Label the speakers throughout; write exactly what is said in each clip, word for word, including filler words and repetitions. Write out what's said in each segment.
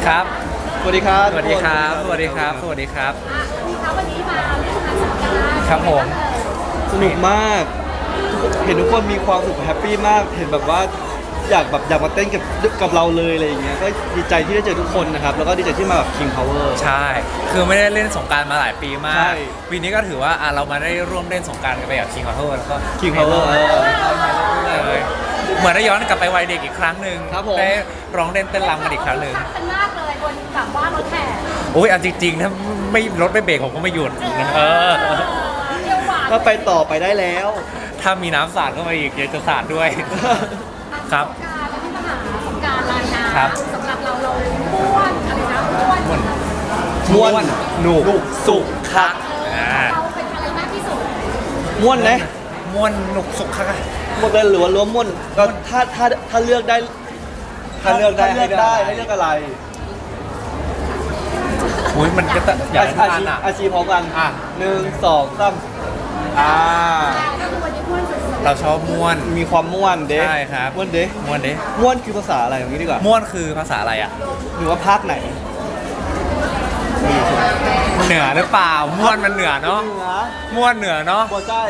Speaker 1: ครับ
Speaker 2: สวัสดีครับ
Speaker 1: สวัสดีครับสวัสดีครับสวัสดีครับ
Speaker 3: ครับวันนี้มาเล่นน้ำสงกรานต์
Speaker 1: ครับผม
Speaker 2: สนุกมากเห็นทุกคนมีความสุขแฮปปี้มากเห็นแบบว่าอยากแบบอยากมาเต้นกับกับเราเลยอะไรอย่างเงี้ยก็ดีใจที่ได้เจอทุกคนนะครับแล้วก็ดีใจที่มาแบบ King Power
Speaker 1: ใช่คือไม่ได้เล่นสงกรานต์มาหลายปีมา
Speaker 2: ใช่
Speaker 1: กปีนี้ก็ถือว่าอ่ะเรามาได้ร่วมเล่นสงกรานต์กันไปกับ King Power แล้วก็
Speaker 2: King Power เออ
Speaker 1: เลยเหมือนได้ย้อนกลับไปวัยเด็กอีกครั้งหนึ่ง
Speaker 2: ครับผม
Speaker 1: ได้ร้องเล่นเต้นรำกันอีกครั้งหนึ่ง
Speaker 3: กันมากเลยบนแบบว่ารถแห่
Speaker 1: โอ้ยเอาจริงๆถ้าไม่รถไม่เบรกผมก็ไม่หยุดเออ
Speaker 3: เที่ยวหวาน
Speaker 2: ก็ไปต่อไปได้แล้ว
Speaker 1: ถ้ามีน้ำสาดเข้ามาอีกอยากจะสาดด้วย ครับ
Speaker 3: สงกรานต์แล้วที่มาหาสงกรานต์ลายน้
Speaker 1: ครับ
Speaker 3: ำสำหรับเราเราม้วนอะไรนะม้วน
Speaker 1: ม่วน
Speaker 2: ม่วน
Speaker 1: หนุก
Speaker 2: หนุกสุขคัก
Speaker 1: อ่า
Speaker 3: เราเป็นอะไรมากที่สุด
Speaker 2: ม่วนนะ
Speaker 1: ม่วนหนุกสุขค่ะ
Speaker 2: ม่วนเลยหรือว่าล้มม่วนก็ถ้าถ้าถ้าเลือกได้
Speaker 1: ถ้าเลือกได้
Speaker 2: ถ้าเลือกได้ให้เลือกอะไร
Speaker 1: อุ้ยมันก็จะอยาก
Speaker 2: อา
Speaker 1: ให้
Speaker 2: ชี
Speaker 1: ทานอ่ะ
Speaker 2: อาชีพร้อมกัน
Speaker 1: อ่ะ
Speaker 2: หนึ่งสองสามอ่า
Speaker 3: ก็คือวันนี้ม้วนสุด
Speaker 1: เราชอบม่วน
Speaker 2: มีความม่วนเด้
Speaker 1: ใช่ครับ
Speaker 2: ม่วนเด้
Speaker 1: ม่วนเด้
Speaker 2: ม่วนคือภาษาอะไรอย่างนี้ดีกว่า
Speaker 1: ม่วนคือภาษาอะไรอ่ะ
Speaker 2: หรือว่าภาคไหน
Speaker 1: เหนือหรือเปล่าม่วนมันเหนือเนาะ
Speaker 2: เหนือ
Speaker 1: ม่วนเหนือเนาะ
Speaker 2: บัวใจ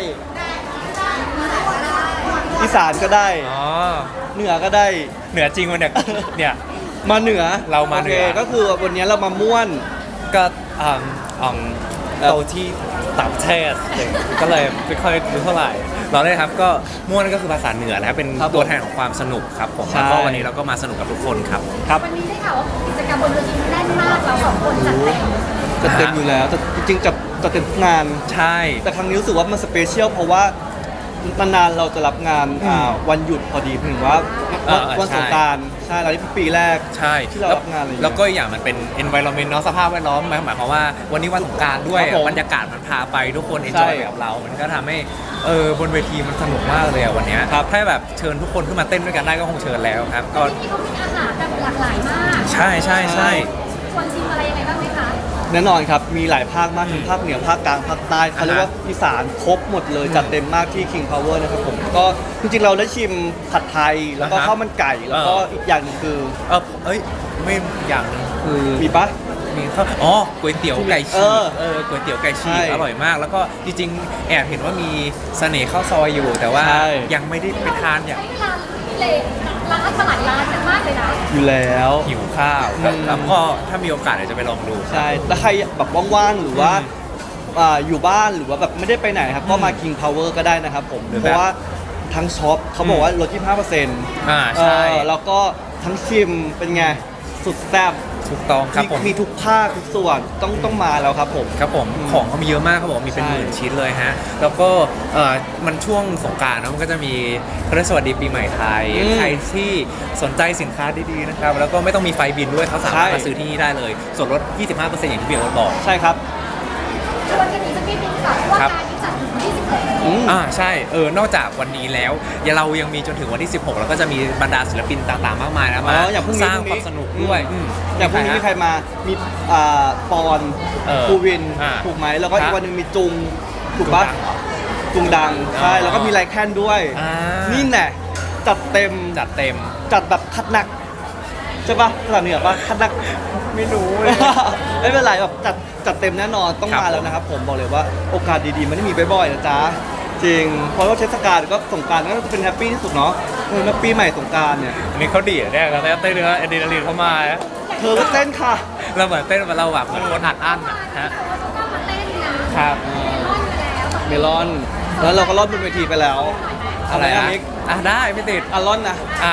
Speaker 2: อีสานก็ได้
Speaker 1: อ๋อ
Speaker 2: เหนือก็ได้
Speaker 1: เหนือจริงวันเนี่ยเนี่ย
Speaker 2: มาเหนือ
Speaker 1: เรามาเหนือ
Speaker 2: โคก็คือวันนี้เรามาม่วน
Speaker 1: ก็อ่าอ่าโตที่ต่างประเทศก็เลยไม่ค่อยรู้เท่าไหร่ เราได้ครับก็ม่วนก็คือภาษาเหนือนะครับเป็นตัวแทนของความสนุกครับผมแล้วก็วันนี้เราก็มาสนุกกับทุกคนครับ
Speaker 2: ครับ
Speaker 3: วันนี้ได้ข่าวว่ากิจกรรมบนเวทีแน่นมากเราสองคนจัดเต็ม
Speaker 2: จะเต็มอยู่แล้วแต่จริงๆจะจะเต็มทุกงาน
Speaker 1: ใช่
Speaker 2: แต่ครั้งนี้รู้สึกว่ามันสเปเชียลเพราะว่านานๆเราจะรับงานอ่าวันหยุดพอดีถึงว่า
Speaker 1: เออ
Speaker 2: วัน
Speaker 1: ใช่
Speaker 2: สงกรานต์ใช่แล้วนี่เป็นปีแรก
Speaker 1: ใช่
Speaker 2: ที่เรารับงานอะไรอย่างเงี้ย
Speaker 1: แล้วก็อีกอย่างมันเป็น environment เนาะสภาพแวดล้อมหมายหมายความว่าวันนี้วันสงกรานต์ด้วย
Speaker 2: ครับผม
Speaker 1: บรรยากาศมันพาไปทุกคน
Speaker 2: ใช่
Speaker 1: enjoy กับเรา มันก็ทำให้เออบนเวทีมันสนุกมากเลยอะวันเนี้ย
Speaker 2: ครับ
Speaker 1: ถ้าแบบเชิญทุกคนขึ้นมาเต้นด้วยกันได้ก็คงเชิญแล้วครับก็
Speaker 3: ที่เขามีอาหารแบบหลากหลายมาก
Speaker 1: ใช่ใช่ใช่
Speaker 3: ควรชิมอะไรยังไงบ้างไหมคะ
Speaker 2: แน่นอนครับมีหลายภาคมากทั้งภาคเหนือภาคกลางภาคใต้เขาเรียกว่าอีสานครบหมดเลย
Speaker 1: อืม
Speaker 2: จัดเต็มมากที่ King Power นะครับผมก็จริงๆเราได้ชิมผัดไทยแล้วก็
Speaker 1: อ่าฮะ
Speaker 2: ข้าวมันไก่ แล้วก็
Speaker 1: เอออี
Speaker 2: อีกอย่างหนึงคือ
Speaker 1: เออเอ้ยไม่อย่างหนึงคือ
Speaker 2: มีปะ
Speaker 1: มีข้าวอ๋อก๋วยเตี๋ยวไก่
Speaker 2: เอ
Speaker 1: ฉีก
Speaker 2: อ
Speaker 1: เออก๋วยเตี๋ยวไก่ฉี
Speaker 2: ใช่
Speaker 1: กอร่อยมาก แล้วก็จริงๆแอบเห็นว่ามีเสน่ห์ข้าวซอยอยู่ แต่ว่า
Speaker 2: ใช่
Speaker 1: ยังไม่ได้ไปทานอย่าง
Speaker 3: ใช้เวลาที่เลร้านมาหลายร้านมากเลยนะ
Speaker 2: อยู่แล้ว
Speaker 1: หิวข้าวครับ
Speaker 2: อืม
Speaker 1: แล้วก็ถ้ามีโอกาสเดี๋ยวจะไปลองดู
Speaker 2: ใช่แล้วใครแบบว่างๆหรือว่า
Speaker 1: อืม
Speaker 2: อ่าอยู่บ้านหรือว่าแบบไม่ได้ไปไหนครับก็มา
Speaker 1: อืม
Speaker 2: King Power ก็ได้นะครับผม
Speaker 1: หรือ
Speaker 2: เพ
Speaker 1: แบบ
Speaker 2: ราะว่าทั้งช็อปเขาบอกว่าลด ยี่สิบห้าเปอร์เซ็นต์
Speaker 1: อ่าใช่
Speaker 2: แล้วก็ทั้งชิมเป็นไงสุดแซ่บ
Speaker 1: ถูกต้องครับ
Speaker 2: มี
Speaker 1: ผม
Speaker 2: มีทุกภาคทุกส่วนต้องต้องมาแล้วครับผม
Speaker 1: ครับผม
Speaker 2: อืม
Speaker 1: ของเขามีเยอะมากเขาบอกมีเป็น
Speaker 2: ใช่
Speaker 1: หมื่นชิ้นเลยฮะ แล้วก็เอ่อมันช่วงสงกรานต์เนอะมันก็จะมีเขาเรียกสวัสดีปีใหม่ไทย
Speaker 2: อืม
Speaker 1: ใครที่สนใจสินค้าดีๆนะครับ แล้วก็ไม่ต้องมีไฟบินด้วยเขาสามารถ
Speaker 2: ใช่
Speaker 1: มาซื้อที่นี่ได้เลย ส่วนลด ยี่สิบห้าเปอร์เซ็นต์ อย่างที่พี่โอ๊ตบอก
Speaker 2: ใช่ครับ
Speaker 3: ชวนกันอีกสักนิดนึงค่ะเพราะว่า
Speaker 1: ครับ
Speaker 3: การที่จัดถึงวันที่สิบหก
Speaker 2: อืม
Speaker 1: อ่าใช่เออนอกจากวันนี้แล้วอย่าเรายังมีจนถึงวันที่ สิบหก แล้วก็จะมีบรรดาศิลปินต่างๆ มากมายนะมา
Speaker 2: อ๋ออย่างพรุ่งนี้
Speaker 1: สร้าง
Speaker 2: พรุ่ง
Speaker 1: ค
Speaker 2: นี้
Speaker 1: วามสนุกด้วย
Speaker 2: อืม
Speaker 1: ม
Speaker 2: อย่างพรุ่งนี้มีใคร
Speaker 1: ฮะ
Speaker 2: มา มีอ่าปอน
Speaker 1: เออ
Speaker 2: ภูวิน
Speaker 1: อ่า
Speaker 2: ถูกไหม แล้วก็
Speaker 1: ครั
Speaker 2: อี
Speaker 1: บ
Speaker 2: กวันหนึ่งมีจุง ถูกปะ
Speaker 1: จุงดัง
Speaker 2: จุงดัง ใช่
Speaker 1: อ๋อ
Speaker 2: แล้วก็มีไลแคนด้วย
Speaker 1: อ่า
Speaker 2: นี่แหละจัดเต็ม
Speaker 1: จัดเต็ม
Speaker 2: จัดแบบคัดหนัก ใช่ปะภาษาเหนือปะคัดหนัก
Speaker 1: ไม่รู้เลย
Speaker 2: ไม่เป็นไรแบบจัดจัดเต็มแน่นอนต้อง
Speaker 1: ครับ
Speaker 2: มาแล้วนะครับ ผมบอกเลยว่าโอกาสดีๆมันไม่มีบ่อยๆนะจ๊ะ จริง เพราะว่าเทศกาลก็สงกรารก็จะเป็นแฮปปี้ที่สุดเนาะเออแล้วปีใหม่สงกรารเนี่ย
Speaker 1: อันนี้เขาดีดเนี่ยแล้วเต้นเนื้ออะดรีนาลีนเข้ามาอะ
Speaker 2: เธอก็เต้นค่ะ
Speaker 1: เราเหมือนเต้นเราแบบเหมือนคนอัดอั้นอะฮะ
Speaker 3: ก็มาเต้นนะครับ เมลอนไปแล้ว
Speaker 2: แล้วเราก็รอดบนเวทีไปแล้ว
Speaker 1: อะไร
Speaker 2: อะ
Speaker 1: อะ
Speaker 2: มิก
Speaker 1: อ่ะได้ไม่ติด
Speaker 2: อ่ะรอดนะ
Speaker 1: อ่ะ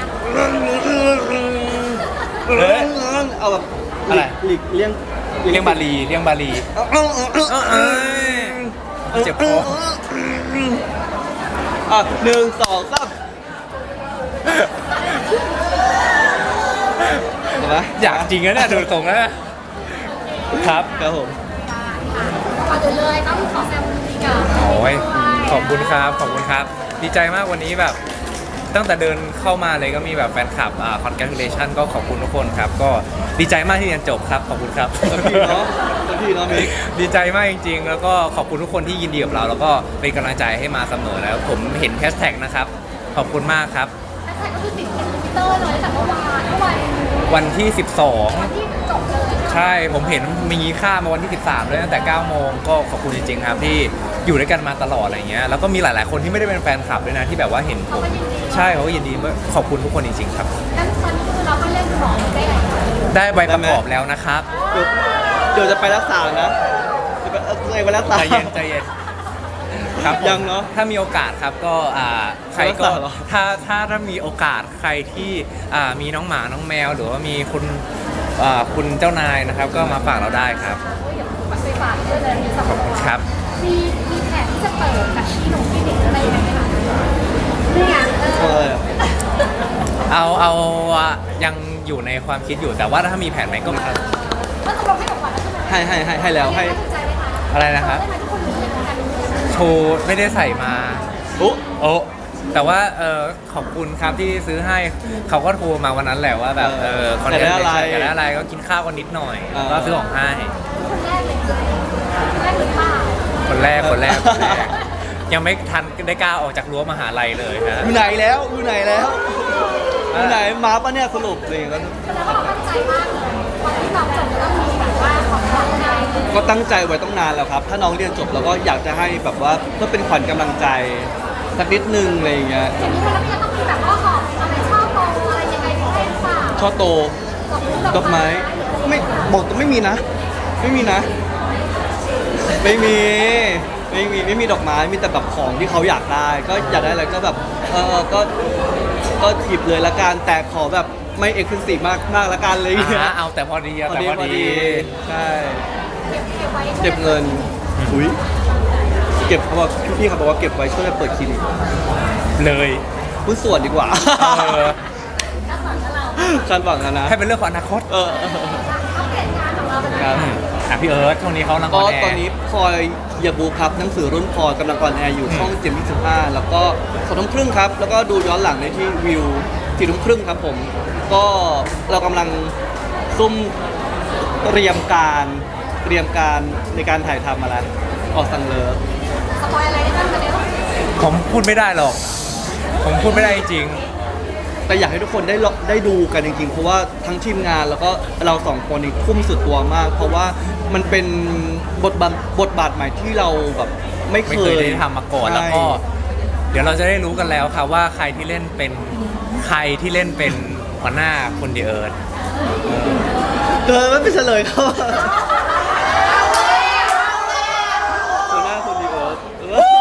Speaker 2: เอาแบบ
Speaker 1: อะไร
Speaker 2: หลีกเลี่ยง
Speaker 1: เลี้ยงบาลีเลี้ยงบาลี
Speaker 2: เอ้ย
Speaker 1: เอ้ยเจ็บคอ
Speaker 2: อ่ะหนึ่งสองสามเห็นไหม
Speaker 1: อยากจริงนะเนี่ยดูตรงแล้วครับ
Speaker 2: ครับผม
Speaker 3: ก่อนอื่นเลยต้องขอแซมดีกับ
Speaker 1: โอ้ยขอบคุณครับขอบคุณครับ ดีใจมากวันนี้แบบ ตั้งแต่เดินเข้ามาเลยก็มีแบบแฟนคลับอ่า congratulation ก็ขอบคุณทุกคนครับ ก็ดีใจมากที่เรียนจบครับขอบคุณครับ
Speaker 2: สักทีเนาะสักทีเนาะมิก
Speaker 1: ดีใจมากจริงๆ แล้วก็ขอบคุณทุกคนที่ยินดีกับเรา แล้วก็เป็นกำลังใจให้มาเสมอแล้ว ผมเห็นแฮชแท็กนะครับ ขอบคุณมากครับ
Speaker 3: แฮชแท็กก็คือติดเทรนด์ทวิตเตอร์เลยตั้งแต่เมื่อวานเมื่อวาน
Speaker 1: วันที่สิบสอง
Speaker 4: ที่จบเลย
Speaker 1: ใช่ผมเห็นมีค่ามาวันที่สิบสามเลยตั้งแต่เก้าโมงก็ขอบคุณจริงๆครับที่อยู่ด้วยกันมาตลอดอะไรเงี้ยแล้วก็มีหลายๆคนที่ไม่ได้เป็นแฟนคลับด้วยนะที่แบบว่าเห็นผมใช่เขาก็ยินดีขอบคุณทุกคนจริงๆครับ
Speaker 4: แล้วตอนนี้คือเราก็เล่นของได้ไหน
Speaker 1: ได้ใบประกอบแล้วนะครับ
Speaker 2: เดี๋ยวเดี๋ยวจะไปรักษานะจะไปเอาตัวเองไปรักษา
Speaker 1: ใจเย็นใจเย็นครับผม
Speaker 2: ยังเนอะ
Speaker 1: ถ้ามีโอกาสครับก็อ่าใครก็
Speaker 2: รักษาเหรอ
Speaker 1: ถ้าถ้าถ้ามีโอกาสใครที่อ่ามีน้องหมาน้องแมว หรือว่ามีคุณอ่าคุณเจ้านายนะครับ ก็มาฝากเราได้ครับ
Speaker 4: โอ้ยเดี๋ยวไปฝากด้วยเลยมีสองตัว
Speaker 1: ครับ
Speaker 4: มีมีแผนที่จะเปิดแบบที่หนุ่มที่เด็กอะไรอย่างเงี้ยไหมคะเนี่ยเอ
Speaker 2: เอ
Speaker 4: อ
Speaker 2: อ
Speaker 1: เอาเอาอ่ะยังอยู่ในความคิดอยู่แต่ว่าถ้ามีแผนไหนก็
Speaker 4: ก็ตกลงให้ของขวัญแล้วใช่ไหม
Speaker 2: ให้ให้ให้ให้แล้วให้
Speaker 4: ถูกใจไหมคะ
Speaker 1: อะไรนะครับ
Speaker 4: ได้ไหมทุกคนรู้เลยกัน
Speaker 1: โชว์ไม่ได้ใส่มา
Speaker 2: อุ๊
Speaker 1: โอ้แต่ว่าเออขอบคุณครับที่ซื้อให้เขาก็โทรมาวันนั้นแหละว่าแบบเออคอนเทนต์
Speaker 2: อยากได้อะไร
Speaker 1: อยากได้อะไรก็กินข้าวกันนิดหน่อย
Speaker 2: เออ
Speaker 1: ก็ซื้อของให้
Speaker 4: คนแรกเลยคนแรกหรือเปล่า
Speaker 1: คนแรกคนแรกคนแรกยังไม่ทันได้กล้าออกจากรั้วมหาลัยเลยฮะ
Speaker 2: อยู่ไหนแล้วอยู่ไหนแล้วอยู่ไหนมาปะเนี่ยสรุปเลยก็
Speaker 4: แสดงว่าเราตั้งใจมากเลยวันที่เราจบจะต้องมีแบบว่าของขวัญให้
Speaker 2: ก็ตั้งใจไว้ต้องนานแล้วครับ ถ้าน้องเรียนจบเราก็อยากจะให้แบบว่าเพื่อเป็นขวัญกำลังใจสักนิดนึงอะไรอย่างเงี้ย
Speaker 4: อย่างนี้มันก็จะต้องมีแบบว่าของอะไรชอบโตอะไรยังไงให้หรือเปล่า
Speaker 2: ช่อโตดอกไม้ไม่บอกตัวไม่มีนะ ไม่มีนะ ไม่มีไม่มีไม่มีดอกไม้มีแต่แบบของที่เขาอยากได้ ก็อยากได้อะไรก็แบบเออก็ก็หยิบเลยละกันแต่ขอแบบไม่เอ็กซ์คลูซีฟมากมากละกันเลย
Speaker 1: อ่าเอาแต่พอดีอะ
Speaker 2: พอ
Speaker 1: แต่
Speaker 2: ดี
Speaker 1: พอ
Speaker 2: พอ
Speaker 1: ดี
Speaker 2: ดีใช่
Speaker 4: เก็บเก็บไว้
Speaker 2: เก็บเงินอุ้ยเก็บเขาบอกพี่เขาบอกว่าเก็บไว้ช่วยเปิดคลินิก
Speaker 1: เลย
Speaker 2: หุ้นส่วนดีกว่า
Speaker 1: เออ
Speaker 4: ด้านหลังกับเรา
Speaker 2: คาดหวังนะนะ
Speaker 1: ให้เป็นเรื่องของอนาคต
Speaker 2: เออ
Speaker 4: อัปเดตงานของเราเป็น
Speaker 2: ค
Speaker 4: ไง
Speaker 2: รับ
Speaker 1: อืมอ่ะพี่เอิร์ธช่วงนี้เขาลัง
Speaker 2: ก็
Speaker 1: ออนแอร์
Speaker 2: ตอนนี้พลอยเหยาบูครับหนังสือรุ่นพลอยกำลังออนแอร์อยู่ช่องเจ็ดยี่สิบห้าแล้วก็สองทุ่มครึ่งครับ แล้วก็ดูย้อนหลังในที่วิวสี่ทุ่มครึ่งครับผม ก็เรากำลังซุ่มเตรียมการเตรียมการในการถ่ายทำมาแล้วออกสังเลิฟ
Speaker 4: สปอยอะไรได้บ้างคะเนี่ย
Speaker 1: ผมพูดไม่ได้หรอก ผมพูดไม่ได้จริง
Speaker 2: แต่อยากให้ทุกคนได้ลได้ดูกันจริงๆ เพราะว่าทั้งทีมงานแล้วก็เราสองคนนี่ทุ่มสุดตัวมาก เพราะว่ามันเป็นบทบาทบทบาทใหม่ที่เราแบบไม่เค
Speaker 1: ไม่เคย
Speaker 2: ย
Speaker 1: ได้ทำมาก่อน
Speaker 2: ใช่
Speaker 1: แล้วก็ เดี๋ยวเราจะได้รู้กันแล้วครับว่าใครที่เล่นเป็นใครที่เล่นเป็นหัวหน้าคนเดียเอิร์ธ
Speaker 2: เกินไม่เป็นเฉลยเขาตัวหน้าคนดีเอิร์ธเออ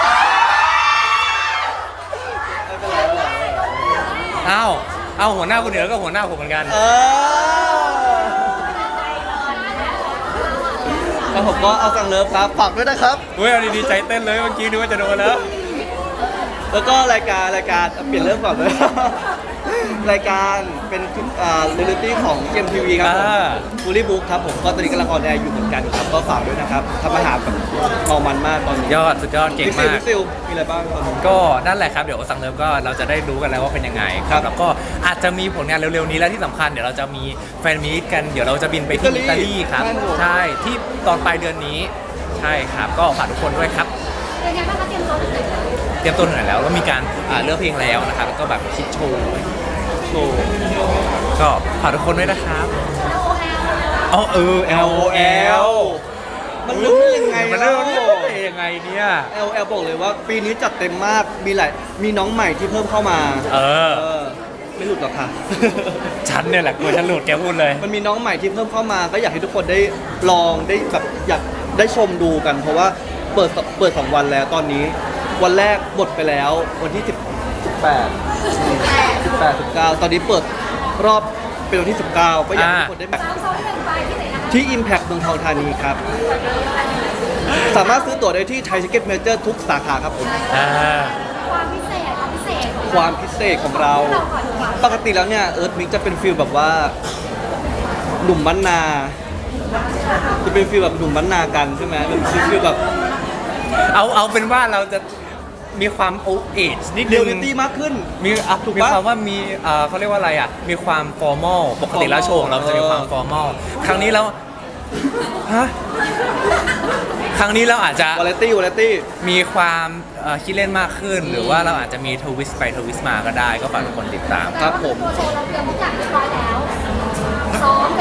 Speaker 2: ไม่เป็นไรไม่เป็นไร
Speaker 1: อ้าวเอาหัวหน้าคนเดียเอิร์ธก็หัวหน้าผมเหมือนกัน
Speaker 2: เออแล้วผมก็เอาสังเลิฟครับฝากด้วยนะครับ
Speaker 1: เฮ้ยเอาดีๆใจเต้นเลยเมื่อกี้นึกว่าจะโดนแล้ว
Speaker 2: แล้วก็รายการรายการเปลี่ยนเรื่องก่อนเลย รายการเป็นอ่าเรียลลิตี้ของ เอ็ม ที วี ครับผม
Speaker 1: อ่า
Speaker 2: ฟูลี่บุ๊กครับผมก็ตอนนี้กำลังออนแอร์อยู่เหมือนกันครับก็ฝากด้วยนะครับทำอาหารแบบเมามันมากตอนนี้
Speaker 1: ยอดสุดยอดเก่ง
Speaker 2: พี่ซิล
Speaker 1: มาก
Speaker 2: พี่ซิลมีอะไรบ้างตอนนี้
Speaker 1: ก็นั่นแหละครับเดี๋ยวสั่งเริ่มก็เราจะได้รู้กันแล้วว่าเป็นยังไงค
Speaker 2: ครั
Speaker 1: รับบ แล้วก็อาจจะมีผลงานเร็วๆนี้และที่สำคัญเดี๋ยวเราจะมีแฟนมีตกันเดี๋ยวเราจะบินไปที่
Speaker 2: อิ
Speaker 1: อิ
Speaker 2: ตา
Speaker 1: ตา
Speaker 2: ลี
Speaker 1: ลีครับ
Speaker 2: ใช่ครับ
Speaker 1: ใช่ที่ตอนปลายเดือนนี้ใช่ครับ ก็ฝากทุกคนด้วยครับ
Speaker 4: เป็นไงบ้างคะเตรียมตัวถึงไหนแล้ว
Speaker 1: เตรียมตัวหน่อยแล้วแล้วมีการอ่าเลือกเพลงแล้วนะครับแล้วก็แบบคิดโชว์
Speaker 2: โชว์
Speaker 1: ก็ฝากทุกคนด้วยนะครับ
Speaker 4: แล้วโอแอล
Speaker 1: อ๋อเออ L O L
Speaker 2: มันเรื่องได้ยังไง
Speaker 1: มัน
Speaker 2: แล้
Speaker 1: เรื่
Speaker 2: ว
Speaker 1: องได้ยังไงเนี่ย
Speaker 2: แอลแอลบอกเลยว่า ปีนี้จัดเต็มมากมีหลายมีน้องใหม่ที่เพิ่มเข้ามา
Speaker 1: เออ
Speaker 2: เออไม่หลุดหรอกค่ะ
Speaker 1: ฉันเนี่ยแหละกลัวฉันหลุดแกพูดเลย
Speaker 2: มันมีน้องใหม่ที่เพิ่มเข้ามา ก็อยากให้ทุกคนได้ลองได้แบบอยากได้ชมดูกัน เพราะว่าเปิดเปิดสองวันแล้วตอนนี้ วันแรกหมดไปแล้ววันที่สิบ สิบแปด สิบแปด สิบเก้าตอนนี้เปิดรอบเป็นวันที่สิบเก้าก็อยากให้ทุกคนได้แบบ
Speaker 4: สามสองหนึ่งไปที่ไหนนะคะ
Speaker 2: ที่ Impact เมืองทองธานีครับ สามารถซื้อตั๋วได้ที่ไทยทิเก็ตเมเจอร์ทุกสาขาครับผม
Speaker 1: อ่า
Speaker 4: ความพิเศษความพิเศษของ
Speaker 2: ความพิเศษของเรา
Speaker 4: เราก่อนดีกว่า
Speaker 2: ปกติแล้วเนี่ยเอิร์ธมิกจะเป็นฟิลแบบว่าหนุ่มบ้านนา จะเป็นฟิลแบบหนุ่มบ้านนากันใช่ไหมแบบฟิลแบบ
Speaker 1: เอาเอาเป็นว่าเราจะมีความโอเอจนิด
Speaker 2: เรี
Speaker 1: นึ
Speaker 2: ยล
Speaker 1: ง
Speaker 2: ลิตี้มากขึ้น
Speaker 1: มีอ่ะ
Speaker 2: ถูก
Speaker 1: มี
Speaker 2: ปะ
Speaker 1: ความว่ามีเอ่อเขาเรียกว่าอะไรอ่ะ มีความฟอร์มอลปกติแล้วโชว์ของเราจะมีความฟอร์มอลครั้งนี้แล้วฮะครั้งนี้เราอาจจะ
Speaker 2: วาเลตี้วาเลตี้
Speaker 1: มีความเอ่อคิดเล่นมากขึ้น หรือว่าเราอาจจะมีทวิสต์ไปทวิสต์มาก็ได้ ก็ฝากทุกคนติดตาม
Speaker 2: ครับผม
Speaker 4: ตัวโชว์เราเตรียมทุกอย่างเรียบร้อยแล้ว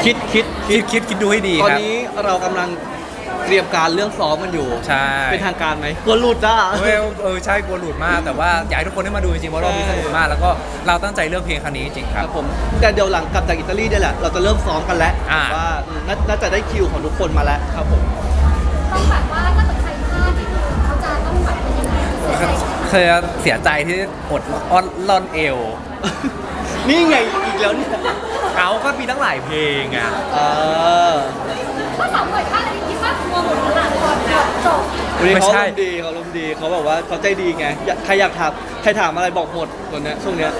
Speaker 2: คิดคิด
Speaker 1: คิดคิดคิดดูให้ดี
Speaker 2: ตอน
Speaker 1: ครับ
Speaker 2: นี้เรากำลังเตรียมการเรื่องซ้อมกันอยู่
Speaker 1: ใช่
Speaker 2: เป็นทางการไหมกลัวหลุดอ่ะ
Speaker 1: เออเออใช่กลัวหลุดมากแต่ว่าอยากให้ทุกคนได้มาดูจริงๆเพราะรอบนี้สนุกมากแล้วก็เราตั้งใจเลือกเพลงครั้งนี้จริงๆค
Speaker 2: ค
Speaker 1: รั
Speaker 2: รับ บผมแต่เดี๋ยวหลังกลับจากอิตาลีเนี่ยแหละเราจะเริ่มซ้อมกันแล้ว
Speaker 1: อ่า
Speaker 2: ว่าอืมน่าน่าจะได้คิวของทุกคนมาแล้วครับผม
Speaker 4: ต้องแบบว่าถ้าเกิดใครพลาดนี่คือเขาจะต้องแบบเป็นยังไงเสียใจ
Speaker 1: เคยเสียใจที่อดอ้อนล่อนเอว
Speaker 2: นี่ไงอีกแล้วเนี่ย
Speaker 1: เขาก็มีตั้งหลายเพลงอ่ะ
Speaker 2: เออ
Speaker 4: ถ้าสามหน่วยพลาดอะไรคิดว่ากลัวหมดขนาดก่อนจบ
Speaker 2: วันนี้
Speaker 1: ไม่
Speaker 2: เขา
Speaker 1: ใช่
Speaker 2: ลมณ์ดีเขาลมณ์ดีเขาแบบว่าเขาใจดีไงอยากใครอยากถามใครถามอะไรบอกหมดตัวเนี้ยช่วงเนี้ย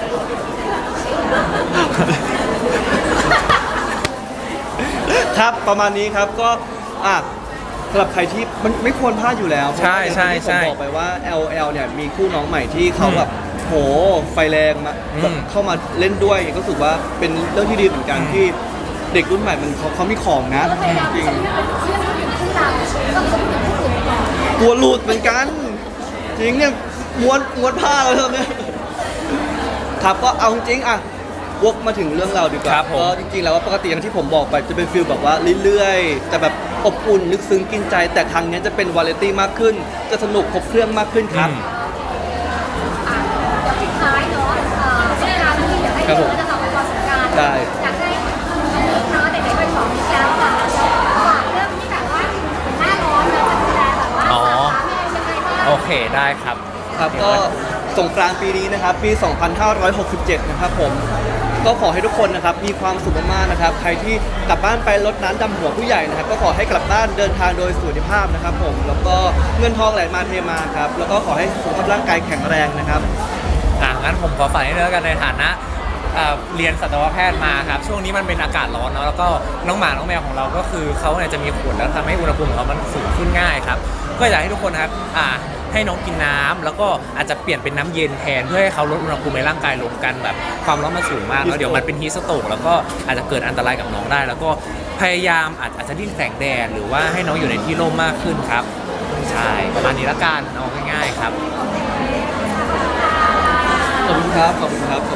Speaker 2: ครับประมาณนี้ครับก็อ่ะสำหรับใครที่มันไม่ควรพลาดอยู่แล้วเพราะ
Speaker 1: ใช่
Speaker 2: ว่าอย่าง
Speaker 1: ใช่
Speaker 2: ที่ผม
Speaker 1: ใช่
Speaker 2: บอกไปว่า แอล แอล เนี่ยมีคู่น้องใหม่ที่เขา
Speaker 1: อืม
Speaker 2: แบบโหไฟแรงมา
Speaker 1: อืม
Speaker 2: แบบเข้ามาเล่นด้วยก็รู้สึกว่าเป็นเรื่องที่ดีเหมือนกัน
Speaker 1: อืม
Speaker 2: ที่เด็กรุ่นใหม่มันเขาเขามีของนะ
Speaker 4: ก็พยายาม
Speaker 2: จริง
Speaker 4: จะไม่เป็นเชื่อมอยู่ที่เราแล้วก็จะเป็นผู้อื่นก่อน
Speaker 2: กลัวหลุดเหมือนกัน จริงเนี่ยม้วนม้วนผ้าแล้วเนี่ยครับก็เอาจริงๆอ่ะวกมาถึงเรื่องเราดีกว่า
Speaker 1: ครับผม
Speaker 2: ก็จริงๆแล้วว่าปกติอย่างที่ผมบอกไปจะเป็นฟิลแบบว่าเรื่อยๆแต่แบบอบอุ่นลึกซึ้งกินใจ แต่ครั้งเนี้ยจะเป็นวาไรตี้มากขึ้น จะสนุกครบเครื่องมากขึ้นครับ
Speaker 1: อืม
Speaker 4: อ่ะเดี๋ยวปิดท้ายเนาะเอ่อสงกรานต์ที่เดี๋ยวให้
Speaker 2: ครับ
Speaker 4: เดี๋
Speaker 2: ผม
Speaker 4: ยวเราจะต่อไปก่อนสงกรานต์
Speaker 2: ได้
Speaker 4: อยากให้อันนี้เนาะเด็กๆไปสองนี้แล้วค่ะฝากเรื่องที่แบบว่าหน้าร้อนเราจะดูแลแบบว่า
Speaker 1: อ๋อ
Speaker 4: สาขาแม่ยังไงบ้าง
Speaker 1: โอเคได้ครับ
Speaker 2: ครับก็สงกรานต์ปีนี้นะครับปี สองพันห้าร้อยหกสิบเจ็ด นะครับผมก็ขอให้ทุกคนนะครับมีความสุขมากๆนะครับใครที่กลับบ้านไปรดน้ำดำหัวผู้ใหญ่นะครับก็ขอให้กลับบ้านเดินทางโดยสุขภาพนะครับผมแล้วก็เงินทองไหลมาเทมาครับแล้วก็ขอให้สุขภาพร่างกายแข็งแรงนะครับ
Speaker 1: อ่ะงั้นผมขอฝากนิดนึงแล้วกันในฐานะเอ่อเรียนสัตวแพทย์มาครับช่วงนี้มันเป็นอากาศร้อนเนาะแล้วก็น้องหมาน้องแมวของเราก็คือเขาเนี่ยจะมีขนแล้วทำให้อุณหภูมิของเขามันสูงขึ้นง่ายครับก็อยากให้ทุกคนนะครับอ่าให้น้องกินน้ำแล้วก็อาจจะเปลี่ยนเป็นน้ำเย็นแทนเพื่อให้เขาลดอุณหภูมิในร่างกายลงกันแบบความร้อนมันสูงมากแล้วเดี๋ยวมันเป็นฮีสโตกแล้วก็อาจจะเกิดอันตรายกับน้องได้ แล้วก็พยายามอาจอาจจะดิ้นแสงแดดหรือว่าให้น้องอยู่ในที่ร่มมากขึ้นครับใช่ประมาณนี้ละกันเอาง่ายๆครับ
Speaker 2: ขอบคุณครับขอบคุณครับ